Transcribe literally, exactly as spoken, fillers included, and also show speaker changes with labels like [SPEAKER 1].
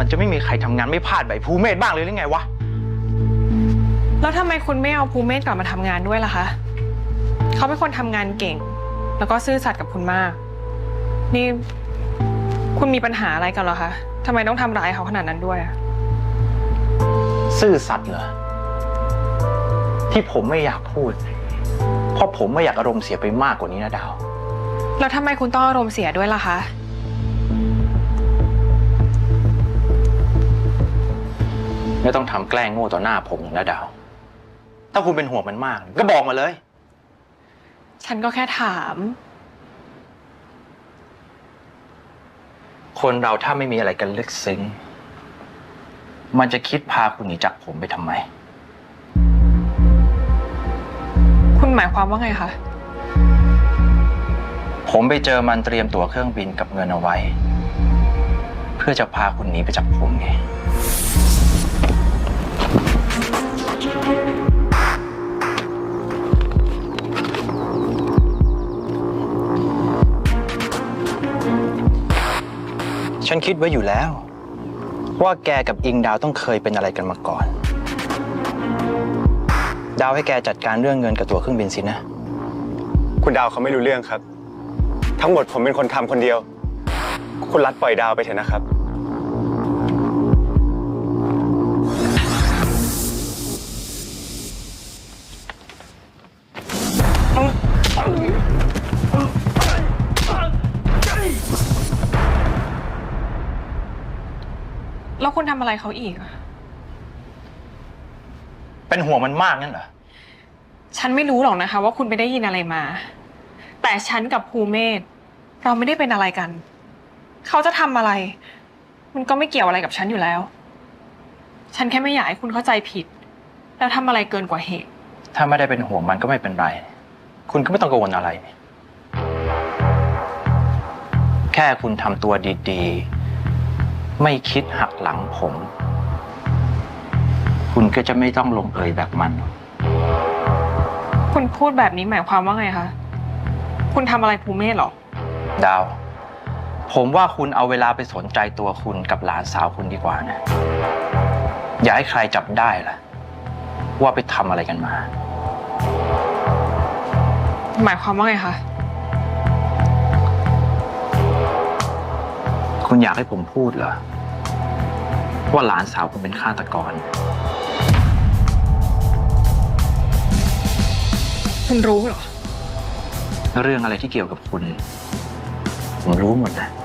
[SPEAKER 1] มันจะไม่มีใครทำงานไม่พลาดแบบภูเมศบ้างเลยหรือไงวะ
[SPEAKER 2] แล้วทำไมคุณไม่เอาภูเมศกลับมาทำงานด้วยล่ะคะเขาเป็นคนทำงานเก่งแล้วก็ซื่อสัตย์กับคุณมากนี่คุณมีปัญหาอะไรกันเหรอคะทำไมต้องทำร้ายเขาขนาดนั้นด้วย
[SPEAKER 1] ซื่อสัตย์เหรอที่ผมไม่อยากพูดเพราะผมไม่อยากอารมณ์เสียไปมากกว่านี้นะดาว
[SPEAKER 2] แล้วทำไมคุณต้องอารมณ์เสียด้วยล่ะคะ
[SPEAKER 1] ไม่ต้องทำแกล้งโง่ต่อหน้าผมนะดาวถ้าคุณเป็นห่วงมันมากก็บอกมาเลย
[SPEAKER 2] ฉันก็แค่ถาม
[SPEAKER 1] คนเราถ้าไม่มีอะไรกันลึกซึ้งมันจะคิดพาคุณหนีจากผมไปทำไม
[SPEAKER 2] คุณหมายความว่าไงคะ
[SPEAKER 1] ผมไปเจอมันเตรียมตั๋วเครื่องบินกับเงินเอาไว้เพื่อจะพาคุณหนีไปจากผมไงฉันคิดไว้อยู่แล้วว่าแกกับอิงดาวต้องเคยเป็นอะไรกันมาก่อนดาวให้แกจัดการเรื่องเงินกับตั๋วเครื่องบินสินะ
[SPEAKER 3] คุณดาวเขาไม่รู้เรื่องครับทั้งหมดผมเป็นคนทำคนเดียวคุณรัดปล่อยดาวไปเถอะนะครับ
[SPEAKER 2] แล้วคุณทำอะไรเขาอีก
[SPEAKER 1] เป็นห่วงมันมากนั่นเหรอ
[SPEAKER 2] ฉันไม่รู้หรอกนะคะว่าคุณไปได้ยินอะไรมาแต่ฉันกับภูเมศเราไม่ได้เป็นอะไรกันเขาจะทำอะไรมันก็ไม่เกี่ยวอะไรกับฉันอยู่แล้วฉันแค่ไม่อยากให้คุณเข้าใจผิดแล้วทำอะไรเกินกว่าเหตุ
[SPEAKER 1] ถ้าไม่ได้เป็นห่วงมันก็ไม่เป็นไรคุณก็ไม่ต้องกังวลอะไรแค่คุณทำตัวดีๆไม่คิดหักหลังผมคุณก็จะไม่ต้องลงเอยแบบมัน
[SPEAKER 2] คุณพูดแบบนี้หมายความว่าไงคะคุณทำอะไรภูเมศหรอ
[SPEAKER 1] ดาวผมว่าคุณเอาเวลาไปสนใจตัวคุณกับหลานสาวคุณดีกว่านะอย่าให้ใครจับได้ล่ะว่าไปทำอะไรกันมา
[SPEAKER 2] หมายความว่าไงคะ
[SPEAKER 1] คุณอยากให้ผมพูดเหรอว่าหลานสาวคุณเป็นฆาตกร
[SPEAKER 2] คุณรู้เหรอ
[SPEAKER 1] เรื่องอะไรที่เกี่ยวกับคุณผมรู้หมดนะ